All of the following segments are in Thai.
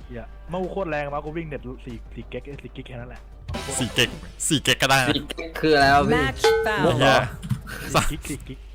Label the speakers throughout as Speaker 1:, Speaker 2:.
Speaker 1: เฮียเมื่อกูโคตรแรงมากูวิ่งเน็ต4 เก๊ก4 กิกแค่นั้นแหละ
Speaker 2: 4 เก๊กก็ได้นะ
Speaker 3: 4 เก๊กคืออะไรวะพี่
Speaker 4: Match
Speaker 2: โอ้
Speaker 4: found.
Speaker 2: โห
Speaker 1: 4 กิก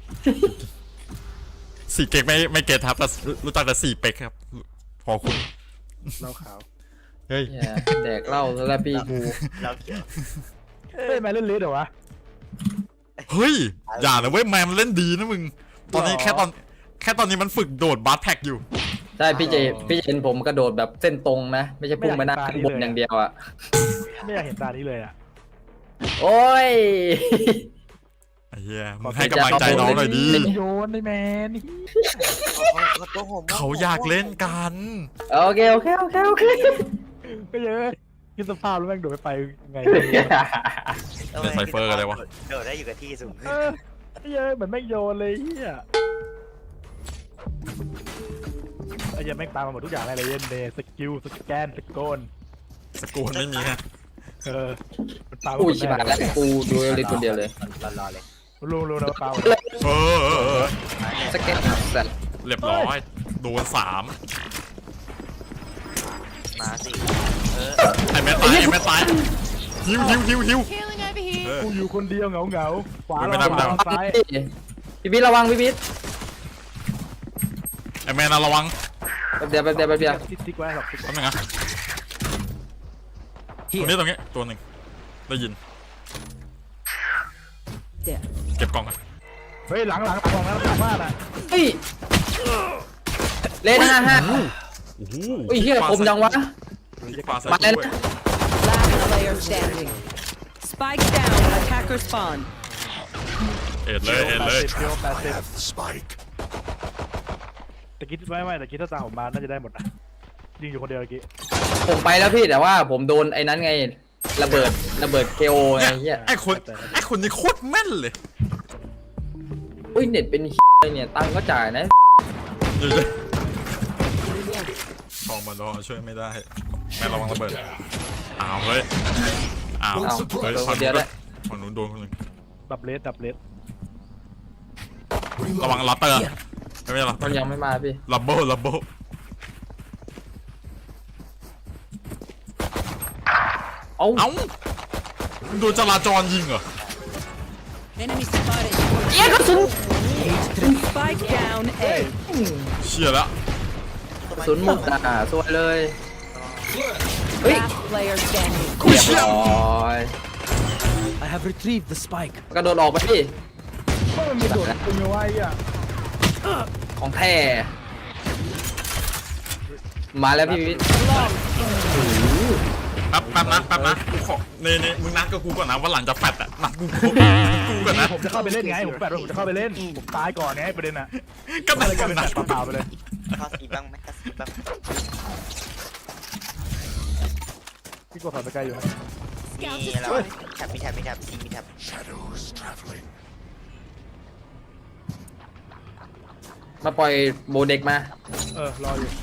Speaker 2: 4 เก๊กไม่เก็ตครับแต่รู้จักแต่4 เป็กครับพอคุณ
Speaker 1: เหล้าขาว
Speaker 2: เฮ้ย
Speaker 3: เหี้ยแดกเหล้าแล้วพี่กู
Speaker 5: เราเกี่ยว
Speaker 1: เฮ้ยแมนเล่นเลสเหรอวะ
Speaker 2: เฮ้ยอย่านะเว้ยแมนมันเล่นดีนะมึงตอนนี้แค่ตอนนี้มันฝึกโดดบาสแท็กอยู่
Speaker 3: ใช่พี่เห็นผมกระโดดแบบเส้นตรงนะไม่ใช่พุ่งไปหน้าขึ้นบนอย่างเดียวอ่ะ
Speaker 1: ไม่อยากเห็นตานี้เลยอ่ะ
Speaker 3: โอ้ย
Speaker 2: ไอ้เหี้ยมึงให้กำลังใจน้องหน่อยดิ
Speaker 1: โยนได้แมน
Speaker 5: ตัวผม
Speaker 2: เขาอยากเล่นกัน
Speaker 3: โอเค
Speaker 1: ก็เยอะคิดสภาพแล้วแม่งโดดไปไง
Speaker 2: เป็นไซเฟอร์กันเลยวะ
Speaker 5: โดดได้อยู่กับที่สูง
Speaker 1: เยอะเหมือนแม่งโยนเลยเฮียไอ้เหี้ยแม่งตามมาหมดทุกอย่างเลยเย็นเดย์สกิลสแกนสโกน
Speaker 2: สกูลไม่มีนะ
Speaker 1: มันตาม
Speaker 3: อุ้ยชิบหายแล้วกูดูเลยคนเดียวเลย
Speaker 5: รอเลย
Speaker 1: รู้นะเปล่า
Speaker 2: เออ
Speaker 3: สเก็ตสัตว์
Speaker 2: เรียบร้อยโดน3
Speaker 5: มาสิ
Speaker 2: ไอ้แม่ตายหิว
Speaker 4: Healing over here.
Speaker 1: กูอยู่คนเดียวเหงาขวา
Speaker 2: ไม่ได้
Speaker 1: เราซ้าย
Speaker 3: พี่บิ๊กระวังพี่บิ๊ก
Speaker 2: ไอ้แม่น่าระวัง
Speaker 3: แป๊บเดียว
Speaker 1: ติ๊กไว้หรอก
Speaker 2: แป๊บนึงนะตรงนี้ตัวหนึ่งได้ยิน
Speaker 4: There.
Speaker 2: เก็บกล่องกัน
Speaker 1: เฮ้ยหลังของนั้นหลังบ้านอ่ะ
Speaker 3: เฮ้ยเลน55
Speaker 2: โอ้โห
Speaker 3: อุ้ยเฮียคมจังวะ
Speaker 2: ที่ปลาใส่
Speaker 3: มาแล้ว
Speaker 2: ด้วย
Speaker 3: นะ
Speaker 4: Last player standing. Spike down. Attacker spawn.
Speaker 2: เอ็ดเลย
Speaker 1: 80แต่คิดไม่แต่คิดถ้าตามผมมาน่าจะได้หมดนะยิงอยู่คนเดียวเมื่อกี้
Speaker 3: ผมไปแล้วพี่แต่ว่าผมโดนไอ้นั้นไงระเบิดเคโอไงเฮีย
Speaker 2: ไอ้คนนี้โคตรแม่นเลย
Speaker 3: อุ้ยเน็ตเป็นเฮียเนี่ยตังค์ก็จ่ายนะ
Speaker 2: เดี๋ยวทองมาดอช่วยไม่ได้แม่ระวังระเบิดอ้าวเฮ้ยอ้าว
Speaker 3: เอา
Speaker 2: เฮ้ย
Speaker 3: โดน
Speaker 2: ฝั่
Speaker 3: ค
Speaker 2: ง
Speaker 3: นเดียว
Speaker 2: นู้น
Speaker 3: ได้
Speaker 2: ฝั่งนู้นโดนคนหนึ่ง
Speaker 1: ดับเลส
Speaker 2: ระวังลัตเตอร์ไม่ใช่ลัตเต
Speaker 3: มั
Speaker 2: อน ร์
Speaker 3: ยังไม่มาพี่
Speaker 2: ลับเบิล
Speaker 3: เอ้า
Speaker 2: เอ้าโดนจราจรยิงเหรอ
Speaker 4: Enemy spotted.
Speaker 3: เอี้ยกระสุน
Speaker 4: Spike down. A.
Speaker 2: เชี่ยแล้ว
Speaker 3: กระสุนหมดสวยเลยเฮ้ย
Speaker 4: Last player standing.
Speaker 3: เรียบร้อย
Speaker 6: I have retrieved the spike.
Speaker 3: กระโดดออกไปพี่
Speaker 1: ก็มันมีโดดคุณมีไว้อ่ะ
Speaker 3: ของแท้มาแล้วพี่วิทย์
Speaker 2: แป๊บนะกูขอนี่มึงนัดกับกูก่อนนะว่าหลังจะแฟดอะนัดกูก่อนนะ
Speaker 1: ผมจะเข้าไปเล่นไงผมแปดผมจะเข้าไปเล่นผมตายก่อนไงประเด็นอ่ะ
Speaker 2: ก็
Speaker 1: ก็
Speaker 2: นัด
Speaker 1: เลยก
Speaker 2: กั
Speaker 1: ลาย
Speaker 2: น
Speaker 1: เป็น
Speaker 2: นะ
Speaker 1: แบบเปล่าๆไปเลย
Speaker 5: ข้อสีบ้างไหมข้อสีบ้าง
Speaker 1: พี่กดถอดสกายอยู่
Speaker 5: มีเราแท็บมีแท็บซีมีแท็บ
Speaker 3: มาปล่อยโบเด็กมาร
Speaker 1: ออยู่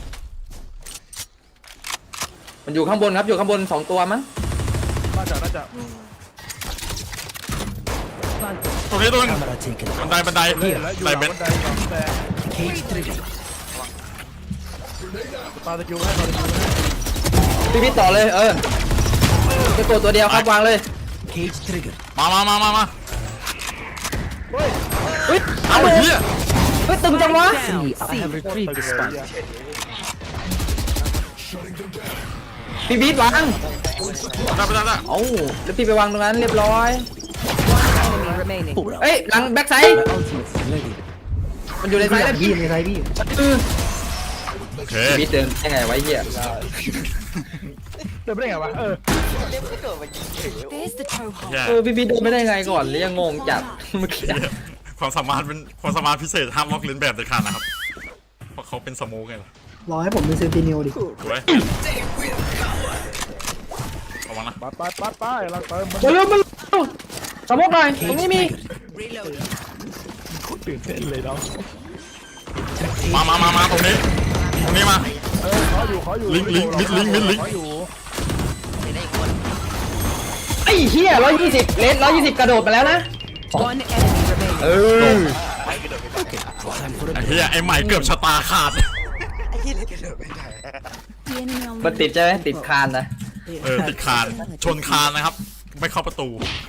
Speaker 3: มันอยู่ข้างบนครับอยู่ข้างบน2 ตัวมั้ง
Speaker 1: น่าจะ
Speaker 2: ตรงนี้ตัวนึง
Speaker 6: Camera taken.
Speaker 2: บันได
Speaker 1: แล้วอยู่ห
Speaker 2: ได
Speaker 1: ลัง
Speaker 2: เบน
Speaker 1: บันไดหลังแต่
Speaker 6: Cage trigger.
Speaker 1: ปาสกิลให้ปาสกิลให้
Speaker 3: พี่วิทย์ต่อเลยจะตัวเดียวครับวางเลย
Speaker 6: Cage trigger.
Speaker 2: มา
Speaker 3: เฮ้ย
Speaker 2: เอาเหี้ย
Speaker 3: เฮ้ยตึงจังวะ
Speaker 4: Down.
Speaker 6: I have retrieved the spike.
Speaker 3: พี่วิทย์วาง
Speaker 2: ได้
Speaker 3: เอ้าแล้วพี่ไปวางตรงนั้นเรียบร้อย
Speaker 4: Enemy remaining.
Speaker 3: เอ้ยหลังแบ็กไซด์
Speaker 6: My ultimate is ready.
Speaker 3: มันอยู่ในไซด์แล้วพี่
Speaker 2: โอเค
Speaker 3: พี่วิทย์เดินยังไงไว้เหี้ย
Speaker 1: เดินไปได้ไงวะ
Speaker 5: เล่นไม่โดดมายิงเฉย
Speaker 4: There's the toe hole.
Speaker 2: แย่
Speaker 3: พี่วิทย์เดินไม่ได้ไงก่อนเลยยังงงจัดเมื่อกี้
Speaker 2: ความสามารถเป็นความสามารถพิเศษห้ามลอกเลียนแบบเด็ดขาดนะครับเพราะเขาเป็นสโมกไงล่ะ
Speaker 7: รอให้ผมเป็นเซนติเนลดิ
Speaker 2: สวยระวังนะ
Speaker 1: ไปเราเติมมัน
Speaker 3: มาเร็วสมมติหน่อยตรงนี้มี
Speaker 1: ตื่นเต้นเลยเนาะ
Speaker 2: มาตรงนี้มา
Speaker 1: ขออยู่
Speaker 2: ลิงก์
Speaker 1: ขออยู่
Speaker 5: ไม่ได้อีกคน
Speaker 3: ไอ้เหี้ย120เลน120กระโดดมาแล้วนะ
Speaker 4: One enemy remaining.
Speaker 5: ไปกระโดดไม่ได้
Speaker 2: ไอ้เหี้ยไอ้ใหม่เกือบชะตาขาด
Speaker 5: ไอ้ที่เล่นกระโดดไม่ได้
Speaker 3: มันติดใช่ไหมติดคานนะ
Speaker 2: ติดคานชนคานนะครับ ไม่เข้าประตู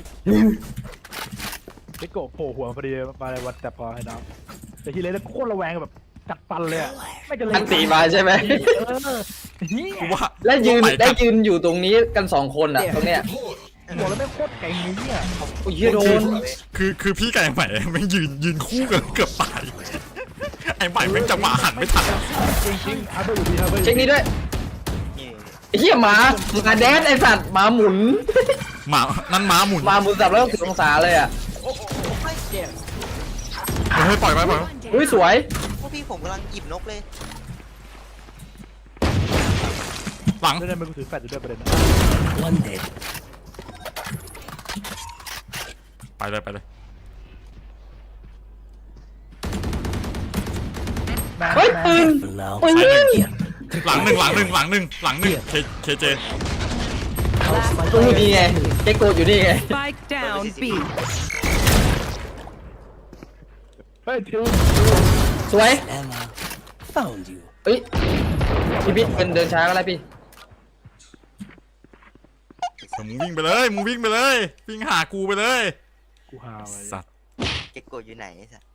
Speaker 1: ไอ้โกะโผล่หัวพอดีมาในวันแต่พอให้น้องแต่ทีเลยแล้วโคตรระแวงแบบกัดฟันเลยอะไม่จะเล่
Speaker 3: อันตีมาใช่ไหม
Speaker 1: เฮีย
Speaker 2: กูว่า
Speaker 3: แล้วยืน
Speaker 2: ตัวใหม่
Speaker 3: ได้ยืนอยู่ตรงนี้กัน2 คนอ่ะตรงเนี้ย
Speaker 1: บอกแล้วไม่งโคตรเก่งเลยเนี่ย
Speaker 3: โอ้ยเหี้ยโดน
Speaker 2: คือพี่กับไอ้ใหม่ไม่งยืนคู่กันเกือบตายไอ้ใหม่แม่งจังหวะหันไม่ทัน
Speaker 1: จริงๆฮาร์เบอร์อยู่ดีฮาร์เบอร์
Speaker 3: เช็คนี้ด้วย
Speaker 5: นี่
Speaker 3: ไอ้เหี้ยหมาแดนไอ้สัตว์หมาหมุน
Speaker 2: หมานั่นม้าหมุน
Speaker 3: หมาหมุนสับแล้วก็10 องศาเลยอ่ะ
Speaker 2: เฮ้ยปล่อยไป
Speaker 3: อุ้ยสวย
Speaker 5: พวกพี่ผมกำลังหยิบนกเลย
Speaker 2: หลัง
Speaker 1: ได้ไม่กูถือแฟลชอยู่ด้วยประเด็นนะ
Speaker 6: One dead.
Speaker 2: ไปเลย
Speaker 3: เฮ้ยปืน
Speaker 6: Now.
Speaker 3: ปืน
Speaker 6: Here.
Speaker 2: หลังหนึ่งเคเจ
Speaker 4: Last
Speaker 3: ตู้
Speaker 4: player
Speaker 3: นี่ไงเจ๊โกดอยู่นี่ไง
Speaker 4: Spike down B.
Speaker 1: เฮ้ยทิว
Speaker 3: สวย
Speaker 6: Emma. Found you.
Speaker 3: เฮ้ยพี่บิ๊กเป็นเดินช้าก็แล้วพี่
Speaker 2: มึงวิ่งไปเลย วิ่งหากูไปเลย
Speaker 1: กูหาไว้
Speaker 2: สัตว์
Speaker 5: เก็กโกดอยู่ไหนไอ้สัส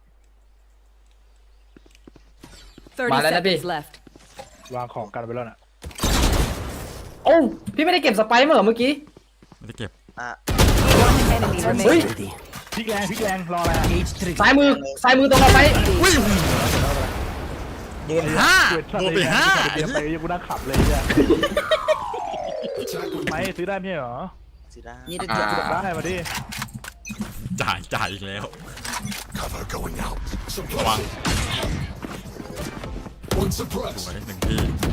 Speaker 4: 30
Speaker 3: Malala, Bi.
Speaker 4: seconds left.
Speaker 1: วางของกันไปแล้วน่ะ
Speaker 3: โอ้าพี่ไม่ได้เก็บสไปร์มาเหรอเมื่อกี้
Speaker 2: ไม่ได้เก็บ
Speaker 5: อ่ะ
Speaker 4: One enemy
Speaker 3: Ui.
Speaker 4: remaining.
Speaker 6: Ready.
Speaker 1: พลิกแรงรออะไรอะ
Speaker 6: Cage trigger.
Speaker 3: ซ้ายมือตรงเราไป
Speaker 2: วิ่งโดนห้าโดนไปห้า
Speaker 1: เดี๋ยวไปกูนั่งขับเลยเนี่ยไม่ซื้อได้ไม่ใช่เหรอ
Speaker 5: ซื้อได้
Speaker 4: Need a
Speaker 3: อ่า
Speaker 4: drop.
Speaker 1: ได้มาดิ
Speaker 2: จ่ายอีกแล้ว
Speaker 7: Cover going out.
Speaker 2: ระวัง
Speaker 7: One
Speaker 2: ส
Speaker 7: suppressed.
Speaker 2: วยหนึ่งที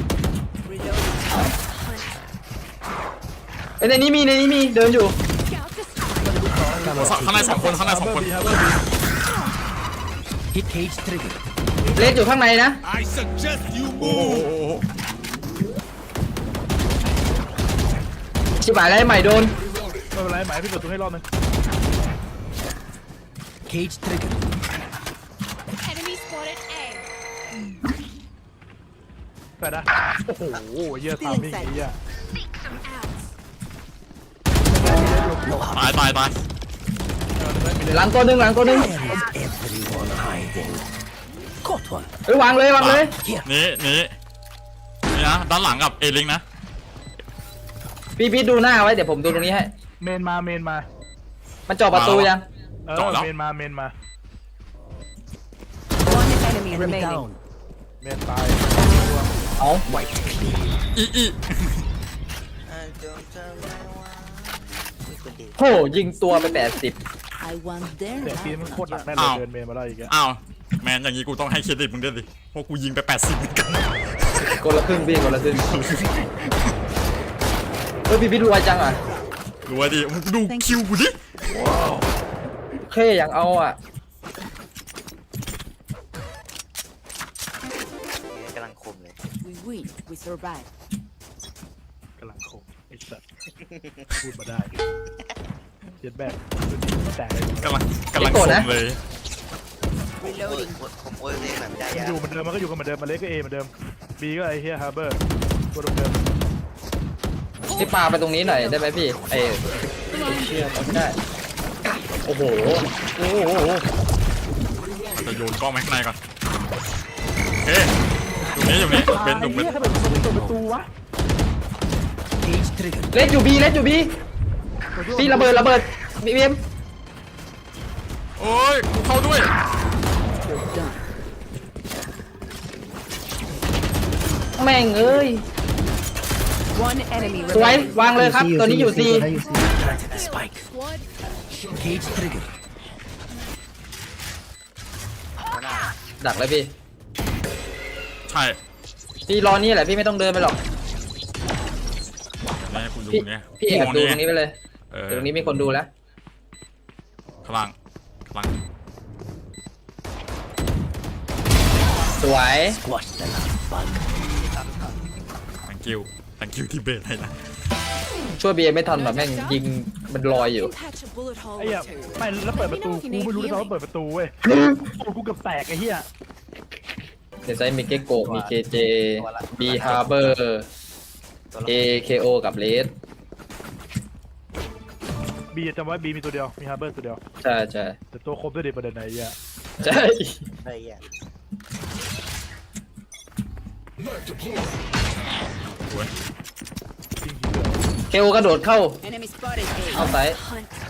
Speaker 3: ในนี้มีเดินอยู่
Speaker 2: ข้างในสองคน
Speaker 1: ฮาร์เบอร์บี
Speaker 6: Hit cage trigger.
Speaker 3: เลสอยู่ข้างในนะ
Speaker 7: I suggest you
Speaker 2: โอ้โห
Speaker 3: ชิบหายแล้วไอ้ใหม่โดน
Speaker 1: ไม่เป็นไรหมายพี่เปิดตัวให้รอบนึง
Speaker 6: Cage trigger.
Speaker 8: Enemy spotted A.
Speaker 1: แฟดนะโอ้โหเยี่ยทามมิ่งเยี่ย
Speaker 2: ตาย
Speaker 3: หลังตัวหนึ่ง
Speaker 6: Where is everyone hiding? Caught one.
Speaker 3: เฮ้ยวางเลย
Speaker 6: Here.
Speaker 2: นี่นะด้านหลังกับเอลิงนะ
Speaker 3: พี่ดูหน้าไว้เดี๋ยวผมดูตรงนี้ให้
Speaker 1: เมนมา
Speaker 3: มันเจาะประตูยัง
Speaker 1: เออเมนมา
Speaker 4: One enemy
Speaker 6: Enemy
Speaker 4: remaining.
Speaker 6: down.
Speaker 1: เมนตาย
Speaker 3: เอา
Speaker 6: White clean.
Speaker 2: อี
Speaker 5: จงจำไว้ว่ามีคนดี
Speaker 3: โหยิงตัวไป80
Speaker 4: I want their
Speaker 1: เสียงตีมันโคตรหนักแน่เลยเดินเมนมาได้อีกอะ
Speaker 2: อ้าวแมนอย่างนี้กูต้องให้เครดิตมึงด้วยดิเพราะกูยิงไป80เหมือนกัน
Speaker 3: คนละครึ่งพี่คนละครึ่งเฮ้ยพี่ดูไวจังอ่ะ
Speaker 2: ดูว่าดิมึงดูคิวกูดิ
Speaker 3: เท่อย่างเอาอ่ะ
Speaker 5: กำลังคมเลย
Speaker 4: We win. We survive.
Speaker 1: กำลังคงไอ้สัตว์พูดมาได้เย็ดแบกแต่
Speaker 2: กำลังคมเลย
Speaker 4: Reloading.
Speaker 5: ผมโอ้ยเล่นแบบไม่ได้
Speaker 1: มัน
Speaker 5: ยา
Speaker 1: อยู่เหมือนเดิมมันก็อยู่กันเหมือนเดิมมันเล็กก็เอเหมือนเดิมบีก็ไอ้เฮียฮาร์เบอร์ตัวเดิม
Speaker 3: พี่ปาไปตรงนี้หน่อยได้ไหมพี่เชื่อไม่ได้โอ้โห
Speaker 2: จะโยนกล้องไปข้างในก่อนโอเคอยู่นี่เป็น
Speaker 1: ไอ้เฮียถ้าเป็นประตูวะ
Speaker 6: Cage trigger.
Speaker 3: เลสอยู่บีพี่ระเบิดบีเอ็ม
Speaker 2: โอ้ยกูเข้าด้วย
Speaker 3: แม่งเอ้ย
Speaker 4: One enemy
Speaker 3: สวย
Speaker 4: remaining.
Speaker 3: วางเลยครับตัวนี้อยู่ซี
Speaker 6: Planted the spike.
Speaker 8: Squad.
Speaker 6: Cage trigger.
Speaker 3: ดักเลยพี่
Speaker 2: ใช่
Speaker 3: พี่รอนี่แหละพี่ไม่ต้องเดินไปหรอก
Speaker 2: นี่กูดู
Speaker 3: พี่
Speaker 2: เนี่ย
Speaker 3: พี่แอบดูตรงนี้ไปเลย
Speaker 2: เออ
Speaker 3: เดี๋ยวตรงนี้มีคนดูแล้ว
Speaker 2: ข้างล่าง
Speaker 3: สวย
Speaker 6: Squash the last bug.
Speaker 2: thank you ที่เบสให้นะ
Speaker 3: ช่วยบีเอ็มไม่ทันแบบแม่งยิงมันลอยอยู่
Speaker 8: Patch a bullet hole
Speaker 1: ไอ้เหี้ย
Speaker 8: or two.
Speaker 1: ไม่แล้วเปิดประตูกูไม่รู้ด้วยซ้ำว่าเปิดประตูเว้ยกูเกือบแตกไอ้เหี้ย
Speaker 3: ในไซต์มีเกโกมีเคเจบีฮาร์เบอร์ AKO กับเลส
Speaker 1: บีจำไว้บีมีตัวเดียวมีฮาร์เบอร์ตัวเดียว
Speaker 3: ใช่ใช่
Speaker 1: แต่ตัวครบด้วยดิประเด็นไหนเหี้ย
Speaker 3: ใช่
Speaker 5: ไอ้เหี้ย
Speaker 1: จริงๆเลย
Speaker 3: KO กระโดดเข้า
Speaker 4: Enemy spotted A.
Speaker 3: เอาไซด์
Speaker 8: Hunt. Scout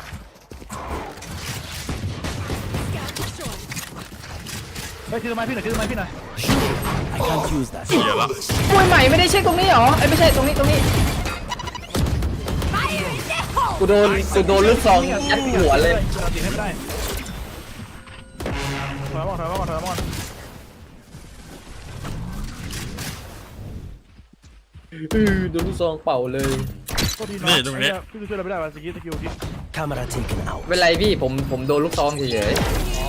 Speaker 8: destroyed.
Speaker 1: เฮ้ยถือไม้พี่หน่อยถือไม้พี่หน่อย
Speaker 6: I can't use that.
Speaker 2: เสียละ
Speaker 3: มวยใหม่ไม่ได้เช็คตรงนี้เหรอไอ้ยไม่ใช่ตรงนี้ตรงนี้
Speaker 8: Fire in the hole.
Speaker 3: กูโดนลูกซองยัดหัวเลย
Speaker 1: เราตีให้ไม่ได้ถอยมาก่อนถอยมาก่อนถอยมาก่อน
Speaker 3: โดนลูกซองเป่าเลย
Speaker 1: โทษทีน้องพี่ช่วยเราไม่ได้ว่ะสกิลที่
Speaker 6: Camera taken out.
Speaker 3: เป็นไรพี่ผมโดนลูกซองเฉย
Speaker 2: เฮ้ย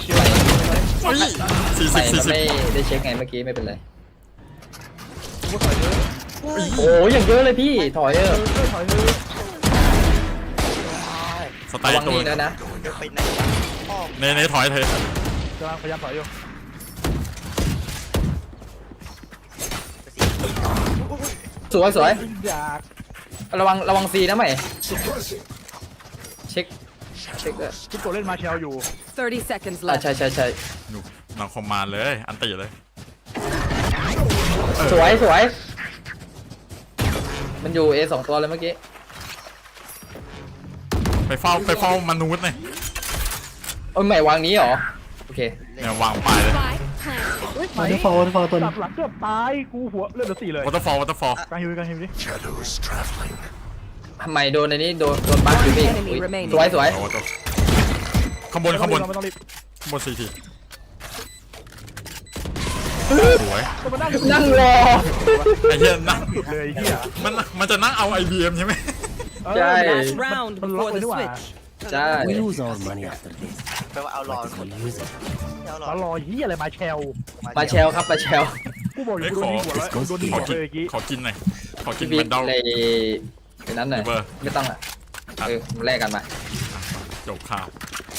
Speaker 3: ๆ
Speaker 2: 40
Speaker 3: ใส่มัน
Speaker 2: 40
Speaker 3: ไม่ได้เช็คไงเมื่อกี้ไม่เป็นไร
Speaker 1: กูถอยเลย
Speaker 3: โอ้ยอย่างเยอะเลยพี่ถอยเออ
Speaker 1: ถอยเลย
Speaker 2: สไต
Speaker 3: ระ
Speaker 2: ล์
Speaker 3: วัง
Speaker 2: ตัว
Speaker 3: นี่แล้วนะ
Speaker 5: เดี๋ยวไปไหนพ่อ
Speaker 2: ในถอยเธอก
Speaker 1: ำลังพยายามถอยอยู่
Speaker 3: สวยสวย
Speaker 1: อยาก
Speaker 3: ระวังซีนะใหม่เช็คด้วย
Speaker 1: ทุกตัวเล่นมาเชลอยู่
Speaker 4: 30 seconds
Speaker 3: อ่ะ
Speaker 4: left.
Speaker 3: ใช่
Speaker 2: หนูหลังคอมมานด์เลยอันตีเลย
Speaker 3: สวยมันอยู่ A 2ตัวเลยเมื่อกี้
Speaker 2: ไปเฝ้ามนุษย์เลย
Speaker 3: โอ้ยใหม่วางนี้เหรอโอเค
Speaker 2: เนี่ยวางปลายเลย
Speaker 8: Spike planted.
Speaker 1: ไหมจับหลังเกือบตายกูหัวเลือดเหลือ4เลยว
Speaker 2: อเตอร์ฟอล
Speaker 1: กลางฮิวกลางฮิวดิ
Speaker 7: Shadows traveling.
Speaker 3: ใหม่โดนในนี้โดนบั๊กอยู่พี่
Speaker 4: Enemy
Speaker 3: อุ๊ย
Speaker 4: remaining
Speaker 3: สวย
Speaker 2: เอาตัวข้างบน
Speaker 1: ไม่ต้องรีบ
Speaker 2: 4 ทีสวย
Speaker 1: ต้องมานั่ง
Speaker 3: นั่งรอ
Speaker 2: ไอ้เหี้ยนั่ง
Speaker 1: สุดเลยไอ้เหี้ย
Speaker 2: มันจะนั่งเอา IBM ใช่ไหม
Speaker 3: ใช่
Speaker 4: Last round
Speaker 1: มันล็อก
Speaker 4: before
Speaker 1: เลย
Speaker 4: the
Speaker 1: นี่หว่า
Speaker 4: switch.
Speaker 3: ใช่
Speaker 6: We lose our money after this.
Speaker 5: แปลว่าเอารอ
Speaker 6: But we'll use it.
Speaker 5: เอารอ
Speaker 1: ตลอเหี้ยอะไรมาเชล
Speaker 3: ปลาแชลครับปลาแชล
Speaker 1: กูบอกอยู่กูโดนยิงหัวแล้วโดนยิง
Speaker 2: ขอ
Speaker 1: หัว
Speaker 2: กิน
Speaker 1: เลยเมื่อกี้
Speaker 2: ขอกินหน่อยขอกิน
Speaker 3: พี่
Speaker 2: แมนดอล
Speaker 3: ในนั้นหน่อย
Speaker 2: เบอร์
Speaker 3: ไม่ต้องอ่ะมาแลกกันมา
Speaker 2: จบข่าว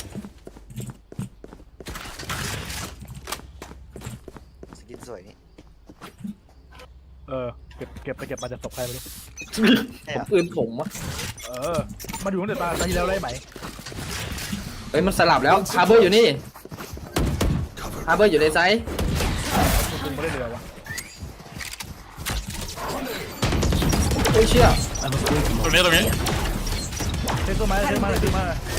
Speaker 5: สกินสวยนี่
Speaker 1: เก็บมาจากศพใครไม่รู้
Speaker 5: ใช่เหรอ
Speaker 3: ปืนผมอะ
Speaker 1: มาดูตั้งแต่ตาที่แล้วได้ไหม
Speaker 3: เฮ้ยมันสลับแล้วฮาร์เบอร์อยู่นี่ฮาร์เบอร์อยู่ในไซส์
Speaker 1: กูไม่ได้เรือวะ
Speaker 3: โอ้ยเชี่ย
Speaker 6: I was waiting
Speaker 2: ตร
Speaker 6: on
Speaker 2: งนี้
Speaker 1: เซ็นตัวมาเซ็นมา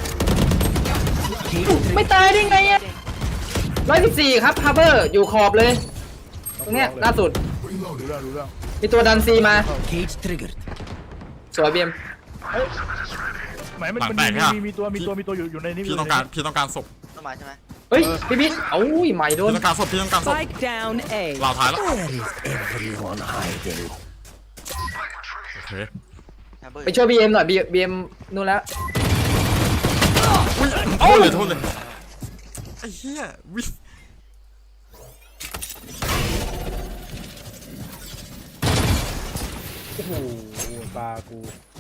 Speaker 3: ไม่ตายได้ไงอ่ะ114ครับฮาร์เบอร์อยู่ขอบเลย ตรงเนี้ยล่าสุด
Speaker 1: รู้เรื่อง
Speaker 3: มีตัวดันซีมา
Speaker 6: cage triggered.
Speaker 3: สวยเบียม
Speaker 1: หมายมันมีตัวอยู่ในนี้
Speaker 2: พี่ต้องการศพ
Speaker 5: ต้องมาใช่ไหม
Speaker 3: เฮ้ยพี่บิ๊กเอ้ยใหม่โดน
Speaker 2: พี่ต้องการศพ
Speaker 4: Spike down A.
Speaker 2: ลาวท้ายแล้ว
Speaker 6: Where is everyone hiding?
Speaker 2: โอเค
Speaker 5: ฮาร์เบอร์
Speaker 3: ไปช่วยบีเอ็มหน่อยบีเอ็มนู่นแล้ว
Speaker 2: โทษเลยไอ้เหี้ยวิ
Speaker 1: โอ้โหตากู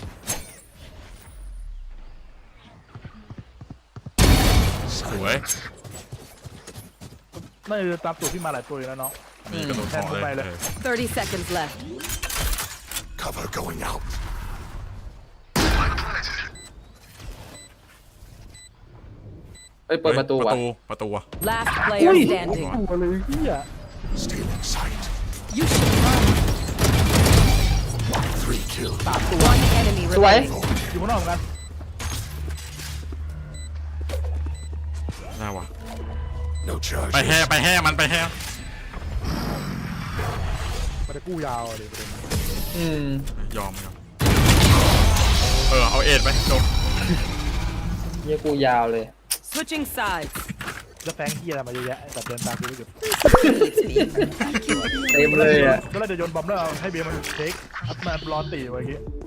Speaker 2: สวย
Speaker 1: น่าจะตามตัวพี่มาหลายตัวเลยนะน้อง
Speaker 2: นี่กระโดดถอเลย
Speaker 4: 30 seconds left.
Speaker 7: Cover going out.
Speaker 3: เฮ้ยเปิดประตูว่ะ
Speaker 2: ประตูอะ
Speaker 4: Last player standing.
Speaker 1: ตัวเลยเหี้ย
Speaker 7: Stealing sight.
Speaker 4: You should run.
Speaker 7: 3 kills.
Speaker 4: One enemy
Speaker 3: สวย
Speaker 4: remaining.
Speaker 1: อยู่ข้างนอกเหมือนกัน
Speaker 2: ได้วะ
Speaker 7: No charge.
Speaker 2: ไปแห่มันไปแห่
Speaker 1: มันจะกู้ยาวเลยประเด็น
Speaker 2: ยอมเอาเอ็ดไปจบ
Speaker 3: เยี่ยกูยาวเลย
Speaker 4: Switching sides.
Speaker 1: แล้วแฟงที่อะไรมาเยอะแยะแต่เดินตามกูไม่หยุด
Speaker 3: เต็มเลยอ่ะ
Speaker 1: ก็เลยจะโยนบอมแล้วให้เบียร์มันเช็คอัพมารอตีไว้เมื่อกี้